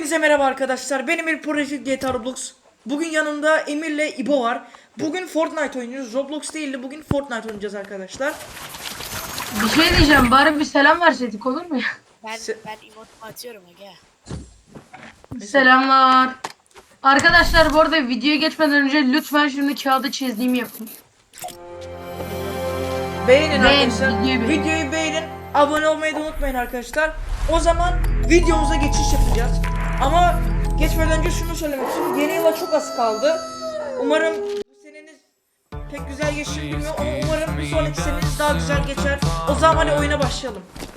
Hepinize merhaba arkadaşlar. Ben Emir Project GTA Roblox. Bugün yanımda Emir'le İbo var. Bugün Fortnite oynuyoruz. Roblox değil de bugün Fortnite oynayacağız arkadaşlar. Bir şey diyeceğim, bari bir selam verseydik olur mu ya? Ben emotumu atıyorum aga. Selamlar. Arkadaşlar bu arada videoya geçmeden önce lütfen şimdi kağıda çizdiğimi yapın. Beğenin Beğen, arkadaşlar. videoyu beğen. Videoyu beğenin. Abone olmayı da unutmayın arkadaşlar. O zaman videomuza geçiş yapacağız. Ama geçmeden önce şunu söylemek istiyorum. Yeni yıla çok az kaldı. Umarım bu seneniz pek güzel geçti bilmiyorum ama umarım bir sonraki seneniz daha güzel geçer. O zaman hadi oyuna başlayalım.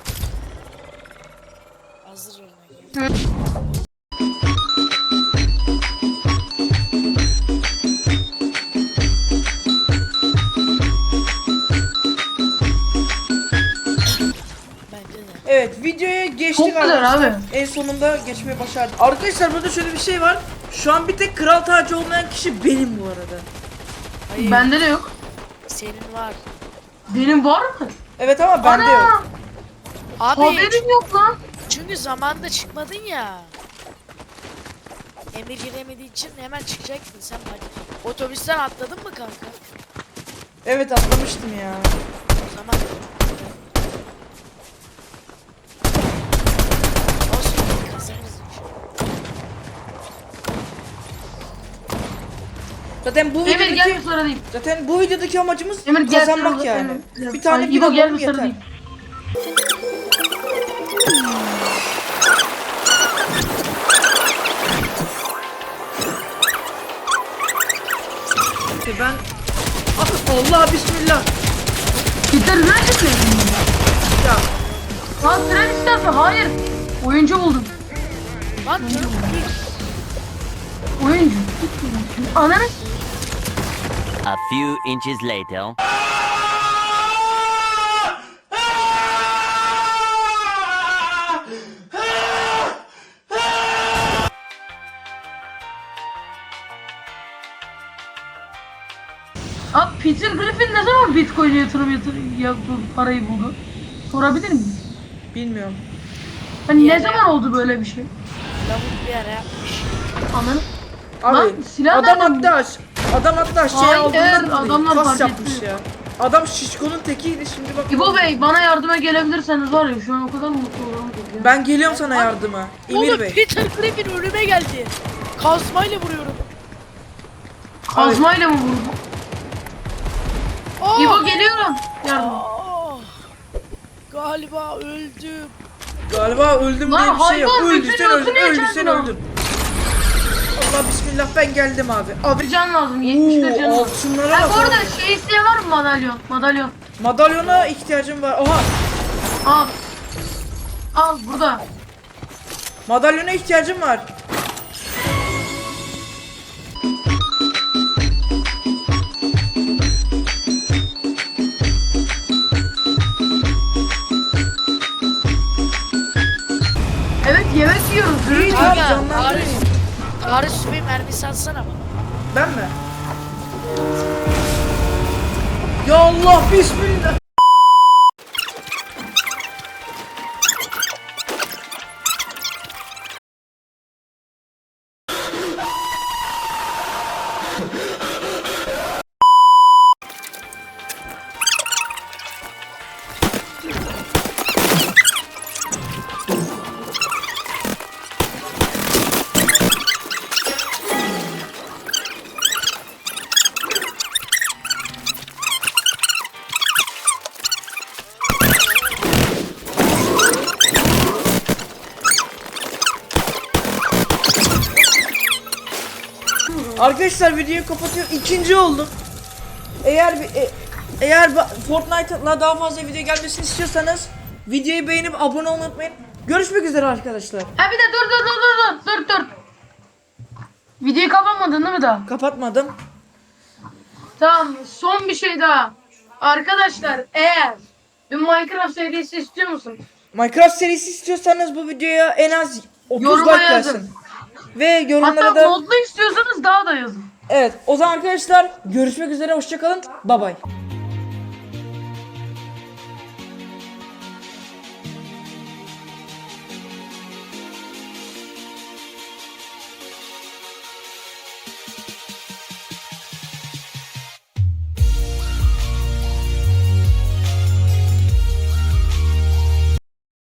Hazır olun aga. Bence de. Evet, videoya geçtik Çok güzel arkadaşlar. abi. En sonunda geçmeye başardık. Arkadaşlar burada şöyle bir şey var. Şu an bir tek kral tacı olmayan kişi benim bu arada. Hayır, Bende de yok. senin var. Benim var mı? Evet ama bende Ana! yok. Abi Haberim yok lan. çünkü zamanında çıkmadın ya. Emir giremediği için hemen çıkacaktın sen hadi. Otobüsten atladın mı kanka? Evet atlamıştım ya. O zaman olsun kazanırız. Zaten bu Emir gel videodaki bir sonra diyeyim. amacımız Emir gel kazanmak sonra- yani. Emir. Bir tane Ay, bir İbo gel alalım bir sonra yeter. diyeyim. Ben Allah bismillah. Gitar üniversitesi mi? Ya Lan tren istersen hayır. Oyuncu buldum. Lan canım Oyuncu. Ananı. A few inches later. Abi Peter Griffin ne zaman Bitcoin'e yaptı, parayı buldu? Sorabilir miyim? bilmiyorum. Hani ne zaman oldu böyle bir şey? lavuk bir ara yapmış. Ananı. Abi Lan, silah adam nereden hatta adam hatta şey Hayır, aldığından adamlar kas fark yapmış etti. ya. Adam şişkonun tekiydi şimdi bak. İbo Bey bana yardıma gelebilirseniz var ya şu an o kadar mutlu olurum ki. Ben geliyorum sana yardıma. Emir Oğlum Bey. Peter Griffin önüme geldi. Kazmayla vuruyorum. Kazmayla mı vurdu? Aa! İbo geliyorum. Yardım. Aa! Galiba öldüm. Galiba öldüm Lan diye bir şey yok. hayvan, Öldü bütün sen öldün, yolunu öldü sen yaşadın ha. öldün. Allah bismillah ben geldim abi. Abi Bir can lazım. 71 can Oo, lazım. altınlara Ha bak. bu arada şey isteyen var mı madalyon? Madalyon. Madalyona ihtiyacım var. Oha. Al. Al burada. Madalyona ihtiyacım var. Evet yemek yiyoruz. İyi Dürüm. abi Aga, canlandırayım. Tarih süpü mermisi atsana bana. Ben mi? Ya Allah bismillah. Arkadaşlar videoyu kapatıyorum. İkinci oldum. Eğer Fortnite'la daha fazla video gelmesini istiyorsanız videoyu beğenip abone olmayı unutmayın. Görüşmek üzere arkadaşlar. Ha bir de dur. Videoyu kapatmadın değil mi daha? Kapatmadım. Tamam son bir şey daha. Arkadaşlar eğer bir Minecraft serisi istiyor musun? Minecraft serisi istiyorsanız bu videoya en az 30 Yoruma like yazın. gelsin. Ve yorumlara Hatta da modlu istiyorsanız daha da yazın. evet, o zaman arkadaşlar görüşmek üzere, hoşça kalın. Bye bye.